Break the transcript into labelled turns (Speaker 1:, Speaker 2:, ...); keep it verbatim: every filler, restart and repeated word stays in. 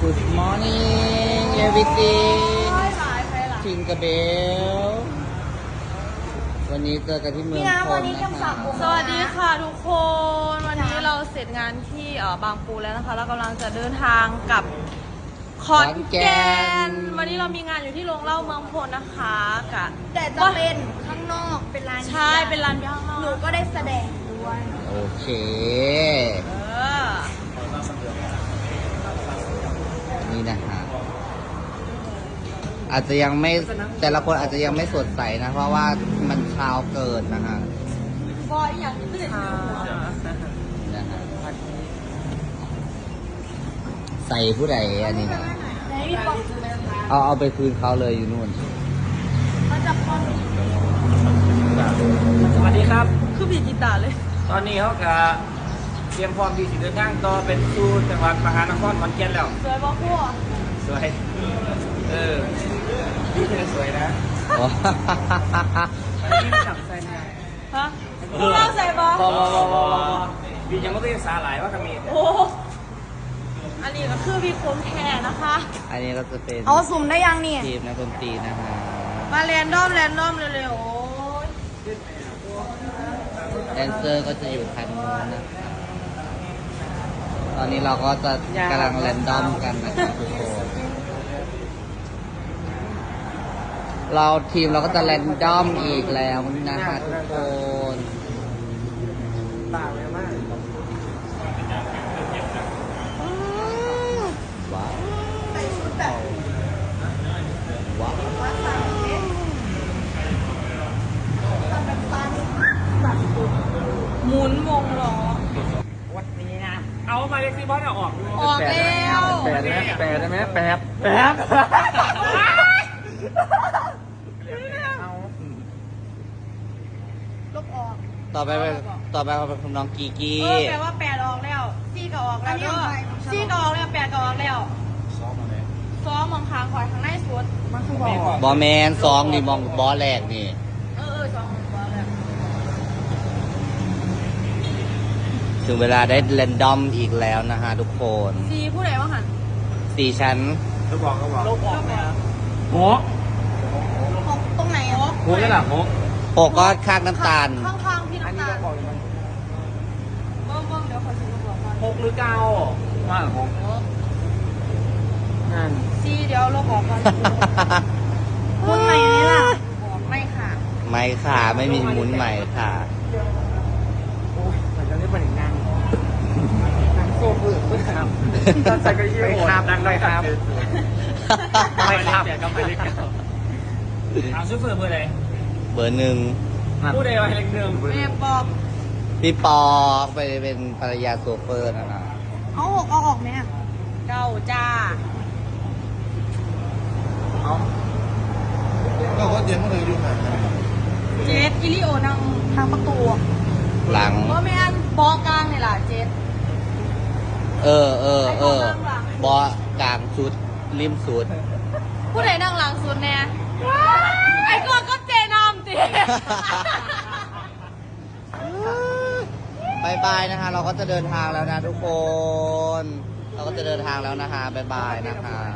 Speaker 1: Good morning everything ทิงกระเบลวันนี้เจอกันที่เมืองพลนะคะ
Speaker 2: สวัสดีค่ะทุกคนวันนี้เราเสร็จงานที่เอ่อบางปูแล้วนะคะแล้วกำลังจะเดินทางกลับขอนแก่นวันนี้เรามีงานอยู่ที่โรงเหล้าเมืองพลนะคะกะ
Speaker 3: แต่จะเป็นข้างนอกเป็นร้าน
Speaker 2: ใช่เป็นร้านย่าง
Speaker 3: หนูก็ได้แสดงด้วย
Speaker 1: โอเค
Speaker 2: เออ
Speaker 1: นี่นะฮะอาจจะยังไม่แต่ละคนอาจจะยังไม่สดใสนะเพราะว่ามันเช้าเกินนะฮะ
Speaker 2: บอยอย่างนี้ก็เลย
Speaker 1: นะฮะใส่ผู้ใดอันนี้นะ
Speaker 3: ไหนพี่ป๊อก
Speaker 1: เอาเอาไปคืนเขาเลยอยู่นู่น
Speaker 3: มันจะพอน
Speaker 4: สวัสดีครับ
Speaker 2: คือบีกีตาร์เลย
Speaker 4: ตอนนี้เขาก็เตรียมพร้อมที่จะเดินทางต่อเป็นสู่จังหวัดมหานครขอนแก่นแล้ว
Speaker 2: สวยบอกพวก
Speaker 4: สวย เออพี่เธอสวยนะ
Speaker 1: อ๋อ
Speaker 4: พี่จับใส่หน้า
Speaker 2: ฮะพวกเราใส่บอ
Speaker 4: บอบอบอบอบพี่ยังไม่ได้สาหลายว่าก็มี
Speaker 2: โอ้อันนี้ก็คือวีโคมแทนนะคะ
Speaker 1: อันนี้ก็จะเป็น
Speaker 3: เอาสุ่มได้ยังเนี่ย
Speaker 1: ทีมนักดนตรีนะฮะ
Speaker 2: มาแรนดอมแรนดอมเร็วๆโอ้ย
Speaker 1: แดนเซอร์ก็จะอยู่ทางนู้นนะคะตอนนี้เราก็จะกำลังแรนดอมกันนะครับทุกคนเราทีมเราก็จะแรนดอมอีกแล้วนะฮะทุกคน
Speaker 4: ป่าเลยมาก
Speaker 1: ว้าว
Speaker 3: ใส่ชุดแบบ
Speaker 1: ว้าว
Speaker 3: ว่าสามเอ๊ะทำแบบตันแบบ
Speaker 2: หมุนวงล้อ
Speaker 4: วันนี้นะ เอามาเล็กซี่บอสเอาออกดู
Speaker 2: ออกแล้ว
Speaker 4: แปดนะแปดได้ไหมแปดแปดเอา
Speaker 3: ลบออก
Speaker 1: ต่อไปเป็นต่อไปเป็นคุณน้องกีกี
Speaker 2: เออแปลว่าแปดออกแล้วซี่ก็ออกแล้วเด้อซี่ก็ออกแล้วแปดก็ออกแล้ว
Speaker 4: ซ้อมมาเลย
Speaker 2: ซ้อมมองคางคอยข้างในสุด
Speaker 3: มันคือบอก
Speaker 1: บอแมนสองนี่มองบอแรกนี่
Speaker 2: เออเออซ้อมมองคางแล้ว
Speaker 1: ถึงเวลาได้แรนดอมอีกแล้วนะฮะทุกคน
Speaker 2: ซีผู้ใดว่าหัน
Speaker 1: สี่ชั้น
Speaker 4: เขาบอกเขาบอกลบออกแล้วโห
Speaker 3: ของตรงไหนอ่ะ
Speaker 4: โหนี่แหละโห
Speaker 1: หกก็คาดน้ำตาล
Speaker 2: ข้างข้างๆพี่น้ำตาลเบิ้งเบิ้งเดี๋ยวขอซื้อมาบอกก่อน
Speaker 4: หกหรือเก้าว่าหกนั่น
Speaker 2: ซีเดี๋ยวเราบอกก่อน
Speaker 3: ตรงไหนนี่ล่ะ
Speaker 2: บอกไม่ค่ะ
Speaker 1: ไม่ค่ะไม่มีหมุนใหม่ค่ะ
Speaker 4: โอ้ยเหมือนจะได้เป็นอีกงานงานโซ่ฝืดฝืดครับตอนใส่กระยี่โหดดังเลยครับไม่ครับก็ไม่เล็กเอาซื้อเฟื่อเบอร์ไหน
Speaker 1: เบอร์หนึ่ง
Speaker 4: ผู้ใดว่าเล็กหนึ่ง
Speaker 2: แม่ปอบ
Speaker 1: พี่ปอไปเป็นภรรยาโซเฟอร์นะนะ
Speaker 3: เอาหกเอาออกไหมอ่ะ
Speaker 2: เก้าจ้า
Speaker 4: เอา
Speaker 5: ก็ว่าเย็นเมื่อไหร่อยู่ไหน
Speaker 2: เจ็ดกิริโอนังทางประตู
Speaker 1: หลัง
Speaker 2: เพราะแม่นบอกกลางนี่ล่ะเจ็ด
Speaker 1: เออเออเออ บอกลางสุดริมสุด
Speaker 2: ผู้ใดนั่งหลังสุดแน่ไอ้กอนก็เจนอมติ
Speaker 1: บายบายนะคะเราก็จะเดินทางแล้วนะทุกคน เราก็จะเดินทางแล้วนะคะบายบายนะคะ